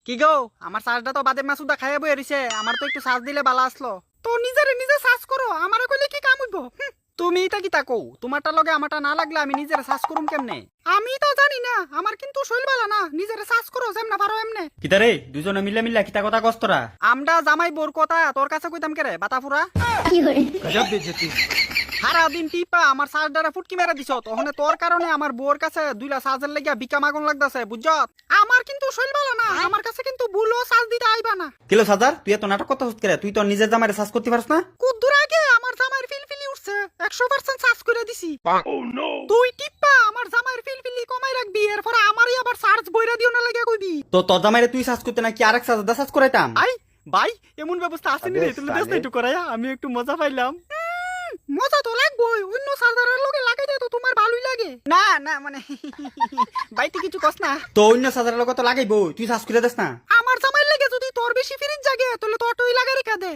কি গো আমার চার্জটা তো বাদে মাসুদা খাইয়া বই এরিছে, আমার তো একটু চার্জ দিলে বালা আসলো। তো নিজেরে নিজে চার্জ করো, আমারে কইলে কি কাম হইব? তুমি এটা কি তাকো, তোমারটা লগে আমারটা না লাগলে আমি নিজেরে চার্জ করুম কেমনে? আমি তো জানি না, আমার কিন্তু শৈল বালা না, নিজেরে চার্জ করো যেমনা পারো এমনে। কিতারে দুজনে মিলে মিলে কিতা কথা কস্তরা আমডা জামাই বোর কথা তোর কাছে কইতাম কেরে বাতাফুরা। গজব বেজতি। সারা দিন টিপা আমার চার্জারে ফুটকি মেরে দিছ, তখন তোর কারণে আমার বউর কাছে দুইলা চার্জার লাগিয়া বিকা মাগুন লাগতাছে বুঝছত। আমার কিন্তু শৈল বালা না, আমার কাছে কিন্তু ভুলও চার্জ দিতে আইবা না। কিলো সাজার তুই এত নাটক করতে হচ্ছে তুই তো নিজের জামাইরে সাজ করতে পারছ না। কুদ্দুর আগে আমার জামাইয়ের ফিলফিলি উঠছে, 100% চার্জ করে দিছি। তুই টিপা আমার জামাইয়ের ফিলফিলি কমাই রাখবি, এরপর আমারই আবার চার্জ বইরা দিও না লাগে কইবি। তো তোর জামাইরে তুই সাজ করতে নাকি আরেক সাজা সাজ করাইতাম। আই ভাই এমন ব্যবস্থা আসেনি রে, তুমি দেশ না একটু করাইয়া, আমি একটু মজা পাইলাম। মজা তো লাগবই, অন্য চার্জারের লগে লাগাইতে তো তোমার ভালোই লাগে। না না মানে বাইতে কিছু কস না। তো অন্য সাজার লগত তো লাগাইবো, তুই সাজ করে দেস না। আমার জামাই লাগে যদি তোর বেশি ফিরিন জাগে তাহলে তোরটাই লাগাই রেখে দে।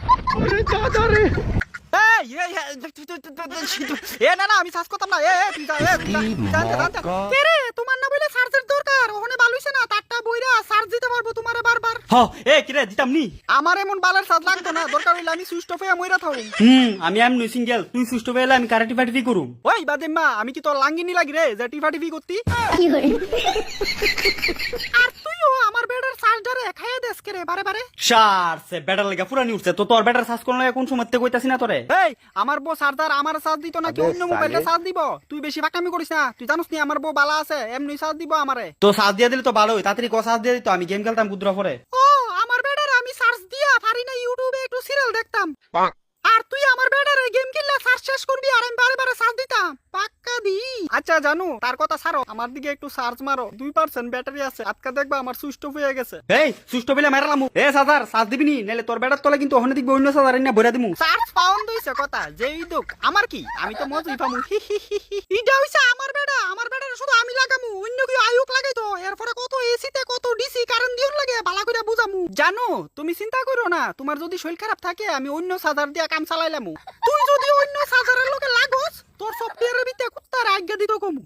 না না আমি চার্জ করতাম না। তুই রে, তোমার না বলে চার্জের দরকার, ওখানে ভালো হইছে না, তারটা বইরা চার্জ দিতে পারবো তোমারে বারবার। হ কিরে দিতাম নি। আমার এমন বালের চার্জ লাগতো না, দরকার হইলে আমি সুইচ অফ হয়ে মইরা থাকুম। আমি এমনি সিঙ্গেল, তুই সুস্থ পেলে আমি কারাটি ফাটি করুম। ওই বাদেম্মা আমি কি তোর লাঙ্গিনি লাগি রে যে টিফা টিফি করতি? আর তুইও আমার বেডের চার্জারে খাইয়ে দেস কে রে বারে বারে। সার সে ব্যাটার লাগা পুরানি উঠছে, তো তোর ব্যাটার সাজ করলে কোন সময় কইতাছি না তোরে। এই আমার বউ চার্জার আমার চার্জ দিত নাকি অন্য মোবাইলে চার্জ দিব? তুই বেশি ফাঁকামি করিস না, তুই জানিস নি আমার বউ বালা আছে, এমনি চার্জ দিব আমারে। তো সাজ দিয়ে দিলে তো ভালোই, তাড়াতাড়ি ক সাজ দিয়ে দিত, আমি গেম খেলতাম গুদ্রা পরে। ও আমার বেডের আমি চার্জ দিয়া পারি না, ইউটিউবে একটু সিরিয়াল দেখতাম। আর তুই আমার বেডারে গেম খেললে চার্জ শেষ করবি আর আমি বারে বারে চার্জ দিতাম, পাক্কা দি। আচ্ছা জানো তার কথা ছাড়ো, আমার দিকে একটু চার্জ মারো, 2% ব্যাটারি আছে, আজকে দেখবা আমার সুইচ অফ হয়ে গেছে। এই সুস্থ পেলে মারালাম। সাজার সাজ দিবি নি, নাহলে তোর ব্যাটার তলে কিন্তু ওখানে দেখবি অন্য সাজার না ভরে দিমু। চার্জ পাউন্ড হইছে কথা যেই দুক আমার কি, আমি তো মজুই পামু। ইডা হইছে আমার বেডা, আমার বেডারে শুধু আমি লাগামু, অন্য কেউ আয়ুক লাগাইতো, এরপরে কত এসিতে কত ডিসি কারেন্ট দিউন লাগে ভালো করে বুঝামু। জানো তুমি চিন্তা করো না, তোমার যদি শরীর খারাপ থাকে আমি অন্য চার্জার দিয়া কাম চালাইলামু। তুই যদি অন্য চার্জারের লগে লাগোস তোর সফটওয়্যারের ভিতরে কুত্তার আজ্ঞা দিত কমু।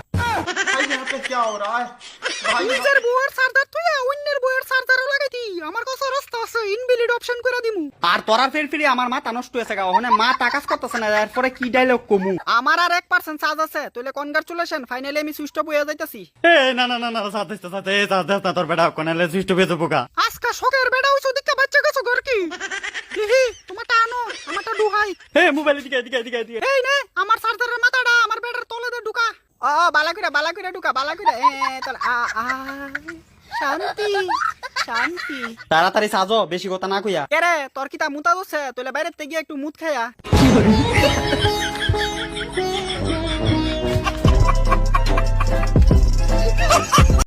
নিজের বউয়ের চার্জার তুই অন্যের বউয়ের চার্জারও লাগাইতি, আমার কাছে রাস্তা আছে, ইনভ্যালিড অপশন করে দিমু। আর তোরা ফের ফিরে আমার মাথা নষ্ট হয়েছে গা, ওখানে মা টাকাস করতেছে না, এরপরে কি ডায়লগ কমু। আমার আর 1% চার্জ আছে, তাহলে কনগ্রাচুলেশন, ফাইনালি আমি সুইচ অফ হয়ে যাইতাছি। না না না না সাথে সাথে সাথে তোর বেটা কোনালে সুস্থ পেয়ে যাবো গা। আজকা শোকের বেড়া হইছো দিকে বাচ্চা গেছো ঘর কি দিহি, তোমারটা আনো আমারটা ডুহাই। মোবাইল দিকে দিকে দিকে দিকে। এই নে আমার চার্জারের মাথাটা আমার বেডের তলে দে ঢুকা। বালা করে ঢুকা, বালা করে চল। শান্তি শান্তি। তাড়াতাড়ি সাজো, বেশি কথা না কইয়া। কে রে তোর কিতা মুতা দছে, তোলে বাইরে গিয়ে একটু মুত খাইয়া।